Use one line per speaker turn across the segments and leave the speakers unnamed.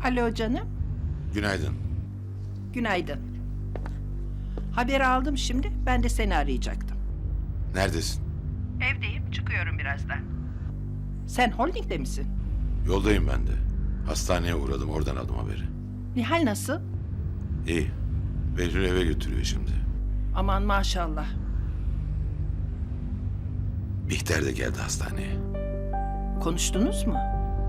Alo canım.
Günaydın.
Günaydın. Haberi aldım şimdi. Ben de seni arayacaktım.
Neredesin?
Evdeyim. Çıkıyorum birazdan. Sen holdingde misin?
Yoldayım ben de. Hastaneye uğradım, oradan aldım haberi.
Nihal nasıl?
İyi. Behlül eve götürüyor şimdi.
Aman maşallah.
Bihter de geldi hastaneye.
Konuştunuz mu?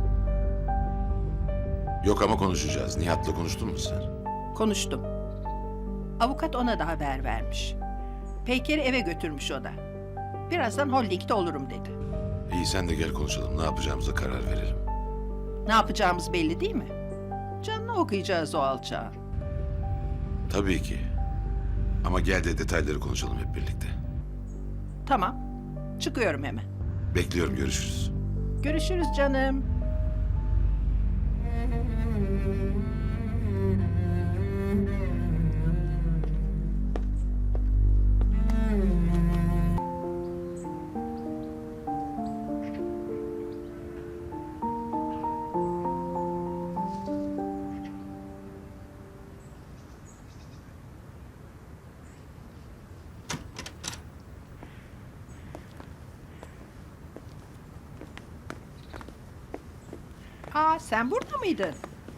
Yok ama konuşacağız. Nihat'la konuştun mu sen?
Konuştum. Avukat ona da haber vermiş. Peyker'i eve götürmüş o da. Birazdan holdingde olurum dedi.
İyi sen de gel konuşalım. Ne yapacağımıza karar verelim.
Ne yapacağımız belli değil mi? Canını okuyacağız o alçağı.
Tabii ki. Ama gel de detayları konuşalım hep birlikte.
Tamam. Çıkıyorum hemen.
Bekliyorum, görüşürüz.
Görüşürüz canım. Aa, sen burada mıydın?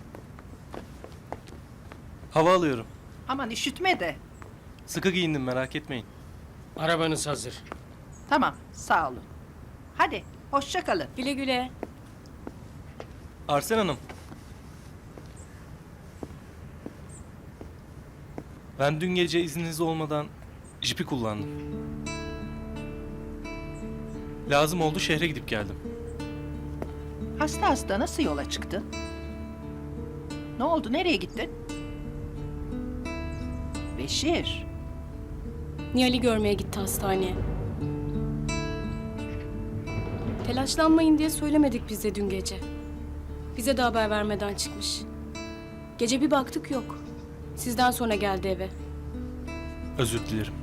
Hava alıyorum.
Aman üşütme de.
Sıkı giyindim, merak etmeyin.
Arabanız hazır.
Tamam, sağ olun. Hadi, hoşça kalın.
Güle güle.
Arsen Hanım. Ben dün gece izniniz olmadan jipi kullandım. Lazım oldu, şehre gidip geldim.
Hasta hasta nasıl yola çıktın? Ne oldu, nereye gittin? Beşir,
Nihal'i görmeye gitti hastaneye. Telaşlanmayın diye söylemedik biz de dün gece. Bize de haber vermeden çıkmış. Gece bir baktık yok. Sizden sonra geldi eve.
Özür dilerim.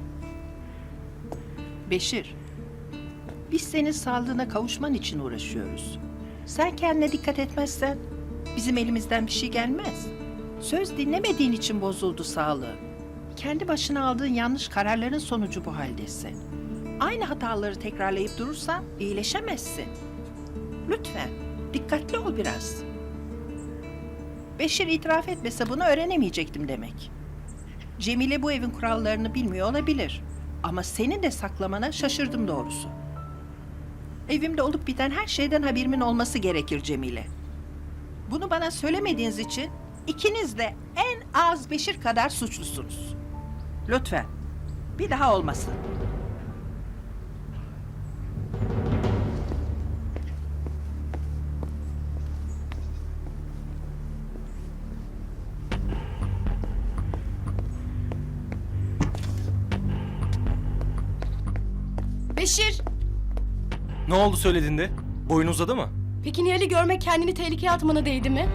Beşir. Biz senin sağlığına kavuşman için uğraşıyoruz. Sen kendine dikkat etmezsen bizim elimizden bir şey gelmez. Söz dinlemediğin için bozuldu sağlığı. Kendi başına aldığın yanlış kararların sonucu bu haldesin. Aynı hataları tekrarlayıp durursan iyileşemezsin. Lütfen dikkatli ol biraz. Beşir itiraf etmese bunu öğrenemeyecektim demek. Cemile bu evin kurallarını bilmiyor olabilir. Ama senin de saklamana şaşırdım doğrusu. Evimde olup biten her şeyden haberimin olması gerekir Cemile. Bunu bana söylemediğiniz için ikiniz de en az Beşir kadar suçlusunuz. Lütfen bir daha olmasın.
Beşir!
Ne oldu söylediğinde? Boyun uzadı mı?
Peki Nihal'i görmek kendini tehlikeye atmana değdi mi?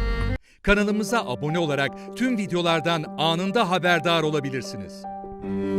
Kanalımıza abone olarak tüm videolardan anında haberdar olabilirsiniz.